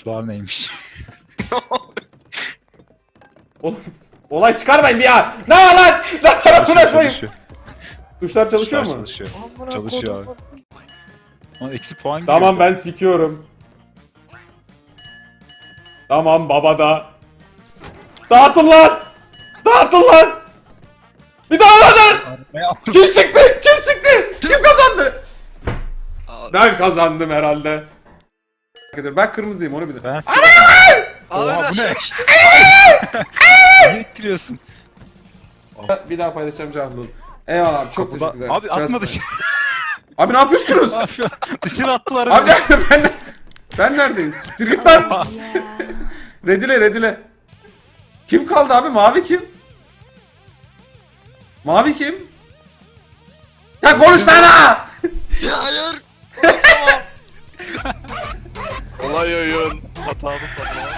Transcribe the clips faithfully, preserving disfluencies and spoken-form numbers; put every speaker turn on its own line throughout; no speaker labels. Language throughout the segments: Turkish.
Tuşlar neymiş?
Oğlum, olay çıkarmayın bir ya. Ne var lan? Lan tarafına koyayım. Tuşlar çalışıyor mu?
Çalışıyor. Çalışıyor abi. Ama eksi puan giriyor.
Tamam ben sikiyorum. Tamam baba da. Dağıtın lan. Dağıtın lan. Bir daha lan.
Ne attım?
Kim sıktı? Kim sıktı? Kim kazandı? Ben kazandım herhalde. Ben kırmızıyım onu bilir.
Ben sikiyorum. Oha bu ne? Niye ittiriyorsun?
Bir daha paylaşacağım canım. Eyvallah abi çok
Kapıda-
teşekkürler.
Abi atma
Biraz-
dışarı.
Abi ne yapıyorsunuz?
Ne yapıyor? Dışarı attılar.
Abi
beni.
ben ben neredeyim? Siktir git lan. Redile redile. Kim kaldı abi? Mavi kim? Mavi kim? Ya konuş lan!
Hayır. Olay oyun.
Hatalı sanma.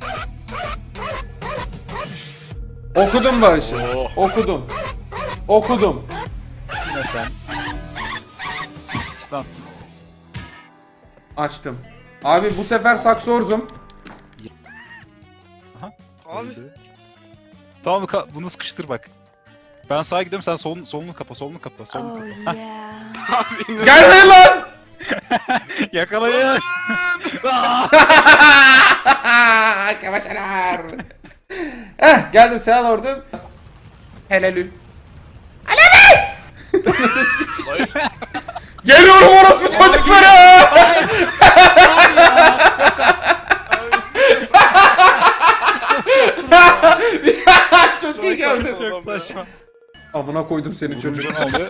Okudum bağışı.
Oo.
Okudum. Okudum.
Yine sen. İşte
Açtım. Abi bu sefer saksorzum.
Abi.
Tamam ka- bunu sıkıştır bak. Ben sağa gidiyorum sen solun solunu kapa solunu kapa solunu
Oh
kapa.
yeah.
Gelmeyin lan!
Yakalayın.
Kavaşalar. Eh geldim selam ordum. Helalü. Geliyorum orospu çocukları. Çok iyi geldi.
Çok saçma.
Amına koydum seni çocuk.
Ne oluyor?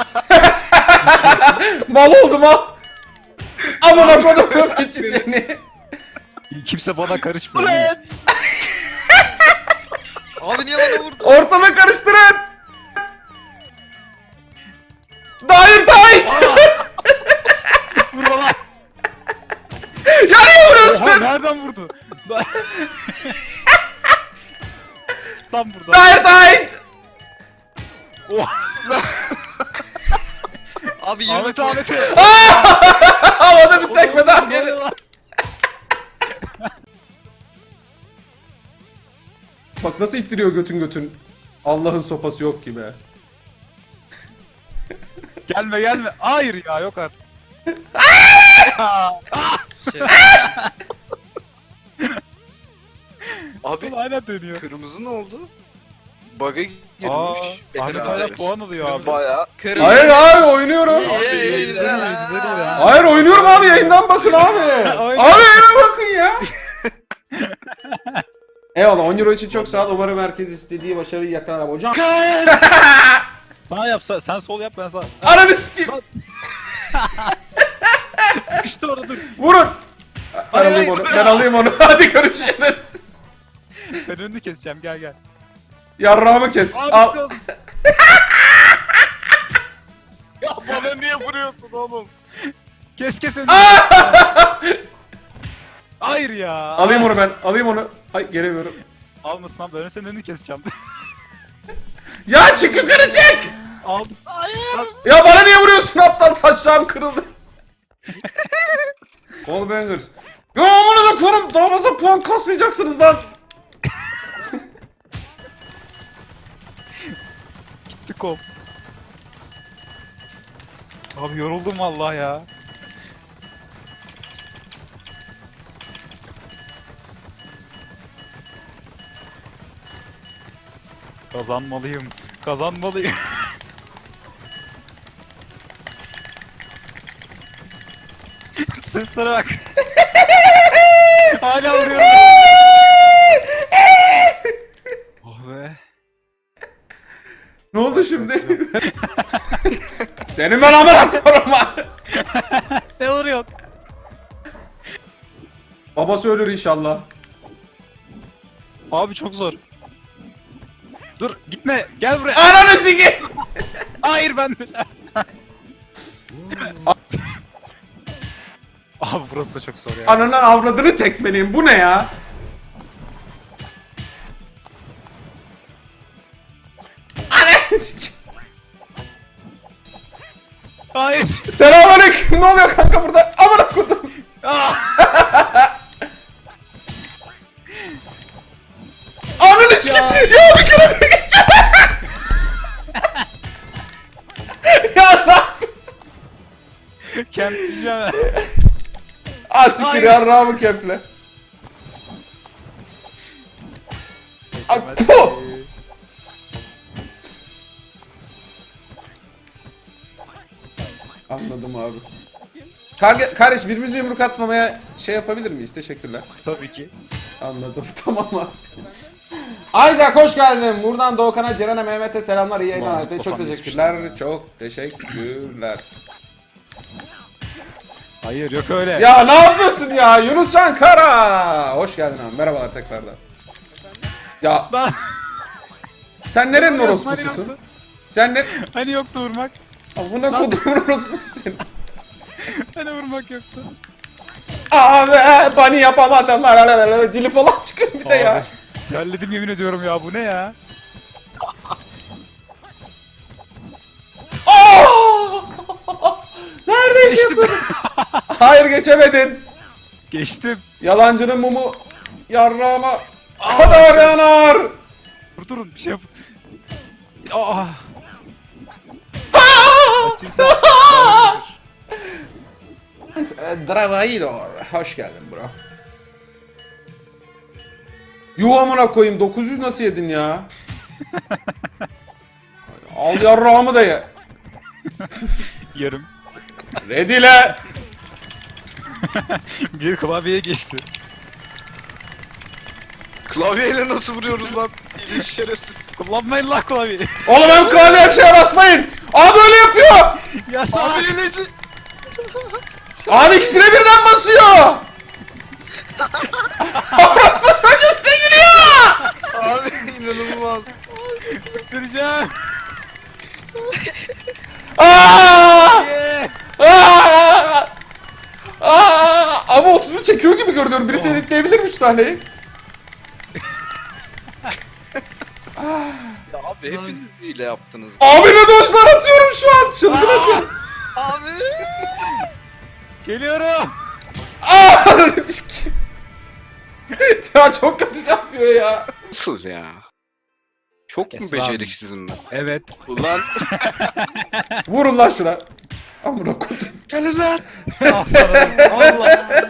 Mal oldum ha. Amına koydum köpekçi seni.
Kimse bana karışmıyor.
Abi niye bana vurdun?
Ortalığı karıştırın. Dair tight.
Vur bana.
Yanıyor burası.
Oha nereden vurdu? Tam burada.
Dair tight.
Abi yirmi
Ahmet
puan.
Ahmet'e.
Havada bir tekme daha geldi. Bak nasıl ittiriyor götün götün. Allah'ın sopası yok gibi.
Gelme gelme. Hayır ya yok artık.
Şey. Abi
Ulan hala dönüyor.
kırmızı ne oldu? Bug'a
Aa,
girmiş.
Ahmet hala puan alıyor abi.
Bayağı kırmızı.
Hayır abi oynuyorum.
İyi, iyi, iyi,
Güzel
güzel
iyi,
ha.
güzel iyi ha.
Hayır oynuyorum abi yayından bakın abi.
Oynuyor.
Abi yayına bakın ya. Eyvallah on euro için çok sağ ol. Umarım herkes istediği başarıyı yakalar hocam.
Sana yapsa sen sol yap ben sağ.
Ananı sikeyim.
Sıkıştı orada dur.
Vurun. Ben
Hayır,
alayım
hayır.
onu. Ben alayım onu. Hadi görüşürüz.
Ben önünü keseceğim gel gel.
Yarrağımı kes.
Abi
Al.
sıkıldım.
Ya bana niye vuruyorsun oğlum?
Kes kes önünü. Hayır ya.
Alayım onu ben. Alayım onu. Ay gelemiyorum.
Almasın abi ben senin önünü keseceğim.
Ya çık yukarı çık.
Aldım.
Ya bana niye vuruyorsun aptal taşağım kırıldı. All bangers. Ya amına da korum daha fazla puan kasmayacaksınız lan.
Gitti kol. Abi yoruldum vallahi ya. Kazanmalıyım. Kazanmalıyım. Seslere bak. Hala vuruyorum. Oh be.
Ne oldu şimdi? Senin ben amına koruma.
Ne vuruyorsun?
Babası ölür inşallah.
Abi çok zor. Dur gitme gel buraya.
Ananı sikeyim.
Hayır ben de. Abi burası da çok zor ya.
Ananın avradını tekmeleyim. Bu ne ya? Ananı sikeyim.
Hayır.
Selamünaleyküm. Ne oluyor kanka burada? Amına kodum.
Ah!
Ah siktir yarrağımı keple. Ay, puh! Anladım abi. Karge, kardeş birbirimize yumruk atmamaya şey yapabilir miyiz? Teşekkürler.
Tabii ki.
Anladım. Tamam abi. Isaac hoş geldin. Buradan Doğukan'a, Ceren'e, Mehmet'e selamlar. İyi yayınlar.
Ulan,
Çok
zıplasam
teşekkürler.
geçmiştim
Çok teşekkürler.
Hayır yok öyle.
Ya ne yapıyorsun ya? Yunuscan Kara. Hoş geldin abi. Merhabalar tekrardan. Ya
Lan.
sen nerenin
Vuruyorsun, hani
orospususun?
yoktu.
Sen ne?
Hani yoktu vurmak.
Amına kodumun orospususun.
Hani vurmak yoktu.
Abi bani yapamadım. Dili falan çıkıyor bir de ya.
Abi, terledim yemin ediyorum ya, bu ne ya?
Aa! Neredeyse
Geçtim.
yapıyordum. Hayır geçemedin.
Geçtim.
Yalancının mumu yarrağıma kadar yanar.
Dur durun bir şey yap. Aa.
Aa! Dravaidor. Hoş geldin bro. Yuh amına koyayım, dokuz yüz nasıl yedin ya? Al yarrağımı da ye.
Yarım.
Redile.
Bir klavyeye geçti.
Klavyeyle nasıl vuruyoruz lan? İyi şerefsiz.
Kullanmayın lan klavyeyi.
Oğlum hem klavyeye bir şeye basmayın. Abi öyle yapıyor.
Ya sağ.
Abi neydi?
Abi ikisine birden basıyor. Orospu çocuk ne gülüyor?
Abi inanılmaz.
Bitireceğim.
Aa!
Yeah.
Aa! Aa! Ama otuz bir çekiyor gibi görünüyorum. Birisi editleyebilir mi şu sahneyi?
Ya abi hepiniz hile yaptınız.
Abi ne dojlar atıyorum şu an. Çılgın atıyorum.
Abi.
Geliyorum.
Aa! Ya çok kötü yapıyor ya.
Nasıl ya? Çok mu
Kes lan.
beceriksizim ben?
Evet.
Ulan.
Vurun lan şuna. Amına koydum.
Gelin lan.
Aslanım. Allah.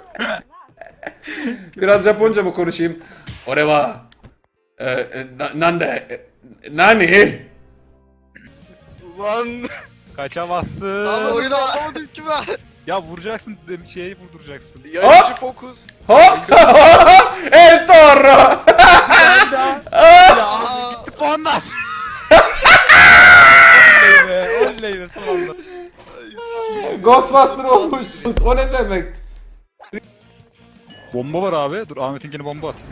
Biraz Japonca mı konuşayım? Oreva. Ee, e, na- nande. e, Nani?
Ulan.
Kaçamazsın.
Abi oyunu anlamadım ki ben.
Ya vuracaksın, şeyi vurduracaksın.
Yayıncı fokus.
Hop! El Toro!
Aa.
Gitti puanlar. Oley be, oley be son anda.
Ghostbuster olmuşsunuz. O ne demek?
Bomba var abi. Dur Ahmet'inkine bomba atayım.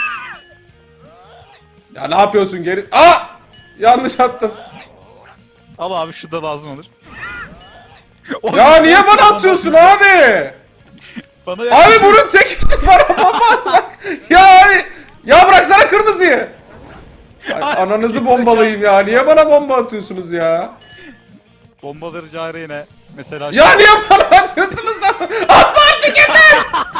Ya ne yapıyorsun geri? Aa! Yanlış attım.
Al abi, şu da lazım olur.
Ya niye bana atıyorsun abi?
Bana
Abi
yaklaşsın.
bunun tek işi var ama bak. Ya abi. Ya bıraksana kırmızıyı. Ay, ananızı bombalayayım ya. Niye bana bomba atıyorsunuz ya?
Bombaları cari yine. Mesela
Ya niye bana atıyorsunuz da? Atma artık yeter.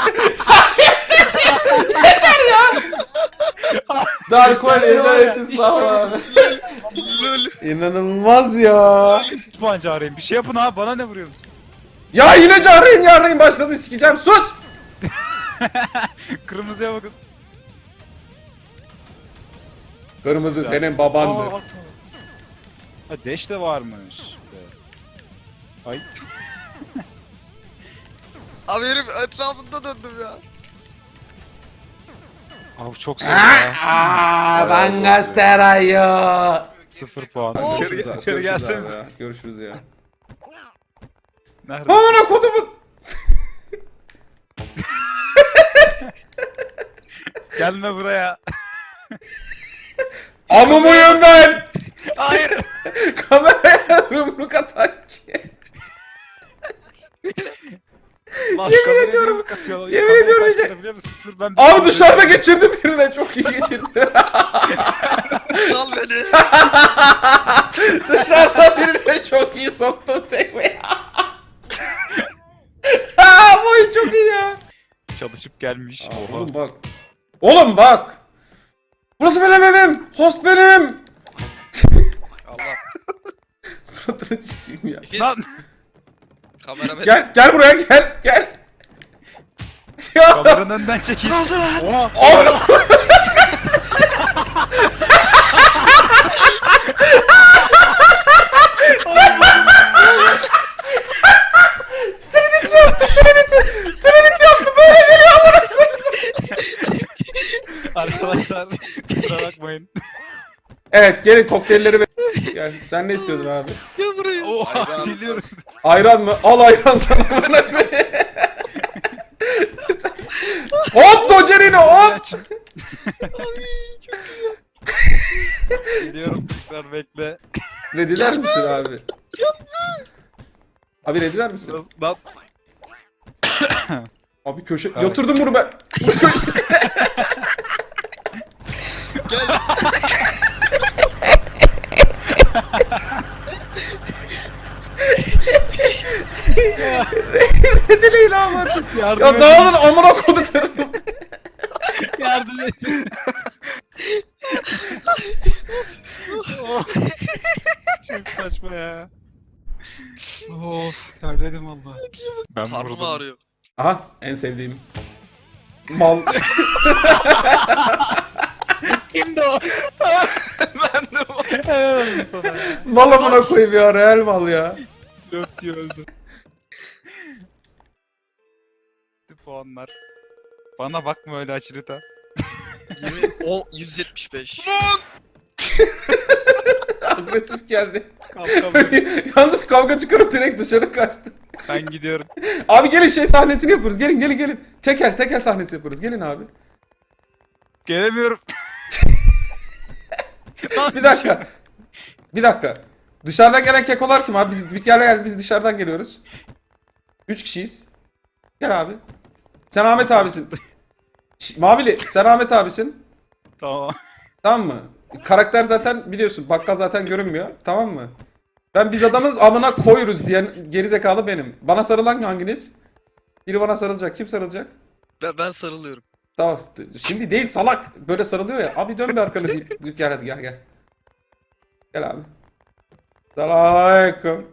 Yeter ya. Dark
Ya,
One
ya,
için
iş
sağ ol
var.
abi.
Lol.
İnanılmaz ya.
üç puan cariyim. Bir şey yapın abi, bana ne vuruyorsunuz?
Ya yine carayın yarayın başladı, sikeceğim, sus.
Kırmızıya bakın.
Kırmızı
Güzel.
senin
Aa,
babandır.
bak. Ha deş de varmış. Ay.
Abi herif etrafında döndüm ya.
Abi çok zor ya.
Aa, ben gazeterayo.
Sıfır puan.
Görüşürüz
İçeri,
abi,
içeri
görüşürüz
gelseniz.
abi ya. Görüşürüz ya.
Nerede?
Amına kodumun.
Gelme buraya.
Amumuyum ben.
Hayır.
Kameraya yumruk atan ki.
Lan,
Yemin
kameraya
ediyorum.
yumruk atıyor.
Yemin
Kamerayı
ediyorum
kaç
iyice-
kere biliyor musun? Dur ben...
Abi dışarıda geçirdim birine, çok iyi geçirdi.
Sal beni.
Dışarıda birine çok iyi soktum tekmeyi. Aa, bu oyun çok iyi ya.
Çalışıp gelmiş.
Aa,
Oha.
oğlum bak. Oğlum bak. Burası benim evim. Host benim.
Allah.
Suratını sikeyim ya.
Lan.
Kamera beni.
Gel gel buraya gel gel.
Harun önden çekil. Oha.
Amına Trinity yaptı, Trinity! Trinity yaptı, böyle geliyor amına koyayım.
Arkadaşlar kusura bakmayın.
Evet, gelin kokteylleri be- Gel, sen ne istiyordun abi?
Gel buraya.
Oha
Ayran.
geliyorum.
Ayran mı? Al ayran sana amına koyayım. Hop Docerino hop!
Açın. Geliyorum tekrar bekle.
Rediler misin abi? Abi rediler misin?
Biraz daha...
Abi köşe...
Evet.
Yatırdım bunu ben. Bu köşe...
Gel.
Redileyin abi artık.
Yardım
Ya
edin.
dağılın amına koduklarım.
Yardım edin. Of. Çok saçma ya. Of terledim valla. Ben
Karnım
vurdum.
ağrıyor.
Aha en sevdiğim. Mal.
Kimdi o?
Ben de bu.
Helal olsun sana ya.
Mal amına koyayım ya, real mal ya.
Löp diye öldü. Puanlar. Bana bakma öyle açırıta.
Yemin o yüz yetmiş beş.
Agresif geldi.
Kalkamıyorum.
Yalnız kavga çıkarıp direkt dışarı kaçtı.
Ben gidiyorum.
Abi gelin şey sahnesini yapıyoruz. Gelin gelin gelin. Tekel tekel sahnesi yapıyoruz. Gelin abi.
Gelemiyorum.
Bir dakika. Bir dakika. Dışarıdan gelen kekolar kim abi? Biz bir gel gel biz dışarıdan geliyoruz. Üç kişiyiz. Gel abi. Sen Ahmet abisin. Şş, Mavili sen Ahmet abisin.
Tamam.
Tamam mı? Karakter zaten biliyorsun. Bakkal zaten görünmüyor. Tamam mı? Ben biz adamız amına koyuruz diyen gerizekalı benim. Bana sarılan hanginiz? Biri bana sarılacak. Kim sarılacak?
Ben, ben sarılıyorum.
Tamam. Şimdi değil salak. Böyle sarılıyor ya. Abi dön bir arkanı deyip. Gel hadi gel gel. Gel abi. Selamünaleyküm.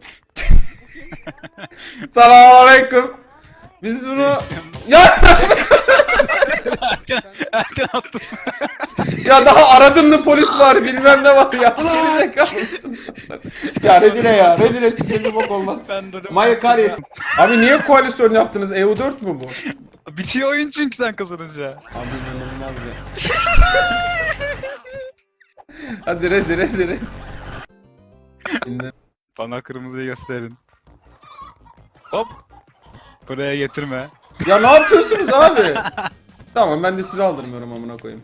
Selamünaleyküm. Biz bunu... Ya!
Erken attım.
Ya daha aradın mı polis var bilmem ne var ya. Gerizekalısın sen. Ya Redine ya. Redine sizde bir bok olmaz.
Ben dönüyorum.
Maya Karyes. Abi niye koalisyon yaptınız? E U dört mü bu?
Bitiyor oyun çünkü sen kazanınca.
Abi inanılmaz ya. Hadi Red Red Red. Dinle.
Bana kırmızıyı gösterin. Hop. Buraya getirme.
Ya ne yapıyorsunuz abi? Tamam ben de sizi aldırmıyorum amına koyayım.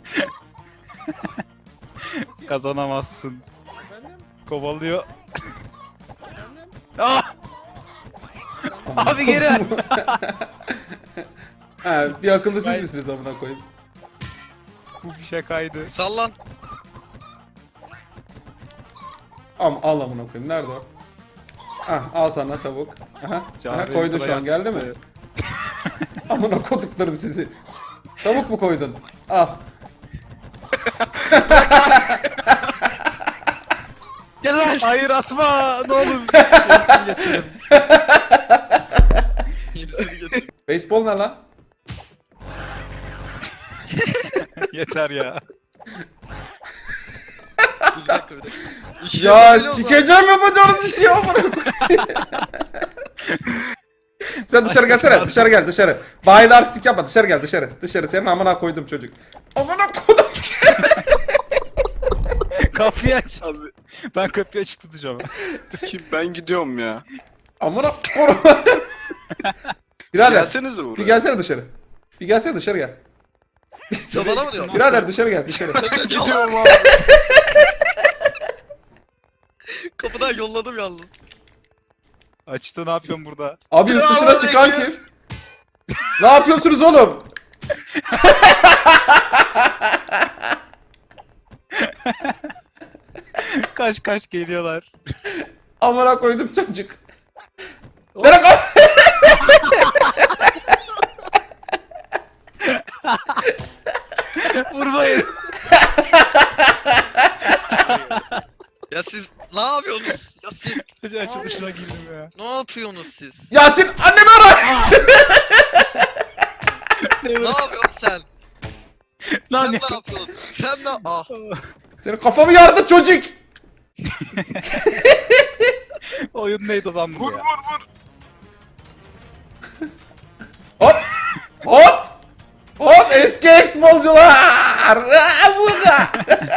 Kazanamazsın. Kovalıyor. Ah! Abi geri.
Ha, bir akıllı siz
Ben-
misiniz amına koyayım?
Bu bir şakaydı.
Sallan.
Am al amına koyayım. Nerede o? Ah al sana tavuk. Aha, aha
Çağrı
koydun şu
Yıldıray
an geldi mi?
çıktı.
Amına koduklarım sizi. Tavuk mu koydun? Al.
Gel lan.
Hayır atma ne olur. Gerisini getirin.
Yenisini getir.
Beyzbol ne lan?
Yeter ya.
Dur bir dakika bir dakika. İşte
Ya
böyle o zaman.
sikeceğim yapacağınız işi ya amına koyayım. Sen dışarı gelsene. Dışarı gel dışarı. Bayda artistik yapma. Dışarı gel dışarı. Dışarı senin amına koydum çocuk. Amına koydum.
Kapıyı aç abi. Ben kapıyı açık tutacağım.
Kim ben gidiyorum ya.
Amına koydum. Birader.
Gelsenize buraya.
Bir gelsene dışarı. Bir gelsene dışarı gel.
Sen bana mı diyorsun?
Birader dışarı gel dışarı.
Gidiyorum abi. Kapıdan yolladım yalnız.
Açtı ne yapıyorsun burada?
Abi yurt dışına çıkan kim? Ne yapıyorsunuz oğlum?
Kaç kaç geliyorlar.
Amına koydum çocuk. Sen kal.
Vurmayın.
Ya siz ne yapıyorsunuz? Ya siz
Açılışına girdim ya.
ne yapıyorsunuz siz?
Yasin annemi ara.
Ne Ne yapıyorsun sen?
Lan
sen
ne-
ne yapıyorsun? Sen ne? Ah.
Senin kafamı yardı çocuk.
Oyun neydi o zaman bu
Vur
ya?
vur vur.
Hop. Hop. Hop eski eksbolcular. Aa, burada.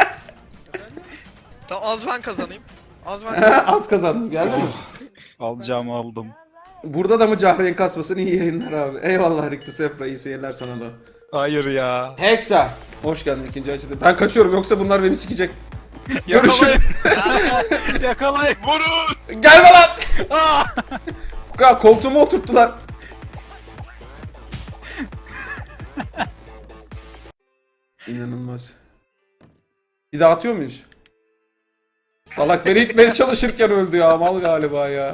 Tamam az ben kazanayım. Az ben kazanayım.
Az kazandım geldi mi?
Alacağımı aldım.
Burada da mı Cahreyn kasmasın iyi yayınlar abi. Eyvallah Rictus Efra iyi seyirler sana da.
Hayır ya.
Hexa. Hoş geldin ikinci açıda. Ben kaçıyorum yoksa bunlar beni sikecek.
Yakalayın.
Görüşürüz.
Yakalayın.
Vurun.
Gelme lan.
Aa!
Ya koltuğuma oturttular. İnanılmaz. Bir daha atıyor muyuz? Salak beni itmeye çalışırken öldü ya mal galiba ya.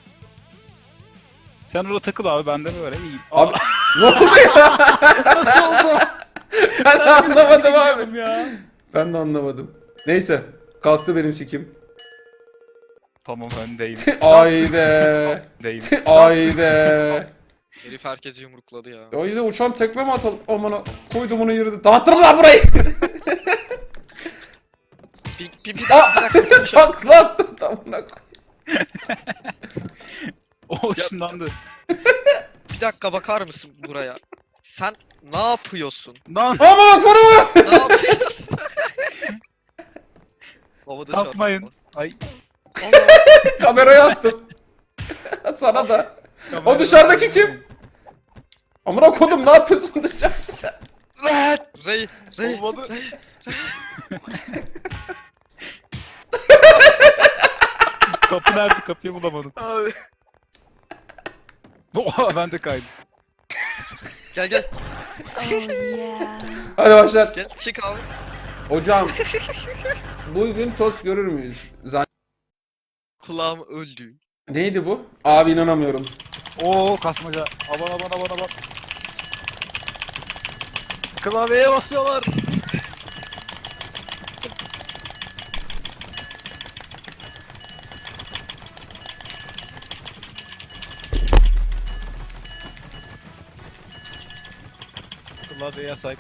Sen orada takıl abi, ben de böyle iyiyim.
Abi ne oldu ya?
Nasıl oldu?
Ben de anlamadım abi.
Bilmiyorum ya.
Ben de anlamadım. Neyse. Kalktı benim sikim.
Tamam öndeyim.
Ayde.
Öndeyim.
Ayde.
Herif herkesi yumrukladı ya.
Ayde uçan tekme mi atalım? Amına koydum onu yürüdü. Dağıtırım lan burayı.
Bir, bir, bir dakika bir dakika.
Takla attım tamına koy.
O ışınlandı.
Bir dakika bakar mısın buraya? Sen ne yapıyorsun?
Lan
Amına koyma.
Ne yapıyorsun? Havada
yapmayın.
çarpma.
Ay.
Allah.
Kameraya attım. Sana da. O dışarıdaki kim? Amına koydum ne yapıyorsun dışarıda?
Rey, Rey.
Olmadı. Kapı nerede? Kapıyı bulamadım.
Abi.
Oha ben de kaydım.
Gel gel
Oh yeah.
Hadi başlat.
gel çık abi.
Hocam. Bugün tost görür müyüz? Zan-
Kulağım öldü.
Neydi bu? Abi inanamıyorum.
Oo kasmaca. Aman aman aman aman. Klavyeye basıyorlar. Klavye yasak.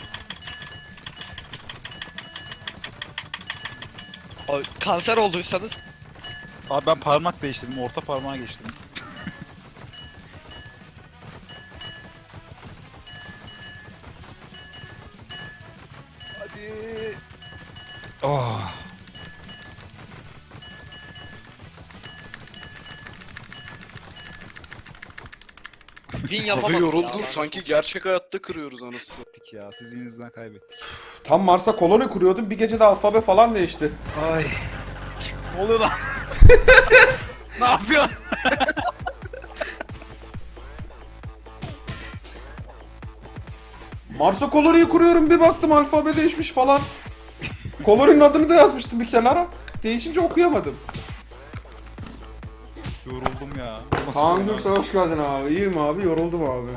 Abi, kanser olduysanız
Abi ben parmak değiştirdim. Orta parmağa geçtim. Hadi. Oh.
win
Abi
yapamadım
yoruldum.
ya.
Sanki gerçek hayatta kırıyoruz anasını.
Kaybettik ya. Sizin yüzünden kaybettik.
Tam Mars'a koloni kuruyordum. Bir gecede alfabe falan değişti.
Ay. Ne oluyor lan? Ne yapıyorsun?
Mars'a koloniyi kuruyorum. Bir baktım alfabe değişmiş falan. Koloninin adını da yazmıştım bir kenara. Değişince okuyamadım.
Yoruldum ya. Nasıl
Kaan
oyun
Gürse hoş geldin abi. İyiyim abi. Yoruldum abi.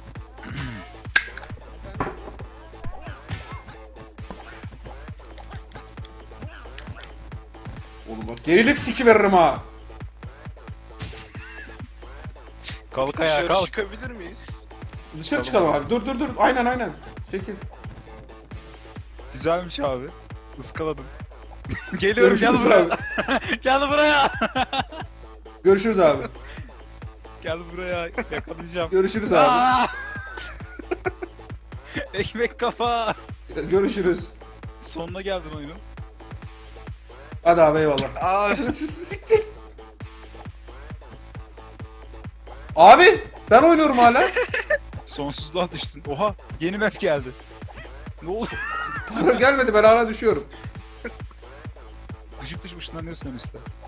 Oğlum bak gerilip siki veririm ha.
Kalk ayağa
Dışarı
kalk.
çıkabilir miyiz?
Dışarı
Tamam
çıkalım
abi.
abi. Dur dur dur. Aynen aynen. Çekil.
Güzelmiş abi. Iskaladım. Geliyorum gel
Görüşürüz
buraya.
abi.
Gel buraya.
Görüşürüz abi.
Gel buraya. Yakalayacağım.
Görüşürüz abi.
Aa! Ekmek kafa.
Görüşürüz.
Sonuna geldin oyunun.
Hadi abi eyvallah.
Abi
Siktir. Abi ben oynuyorum hala.
Sonsuzluğa düştün. Oha yeni map geldi. Ne oldu?
Para gelmedi ben hala düşüyorum.
Gıcık dışı ışınlanıyorsun sen üstte.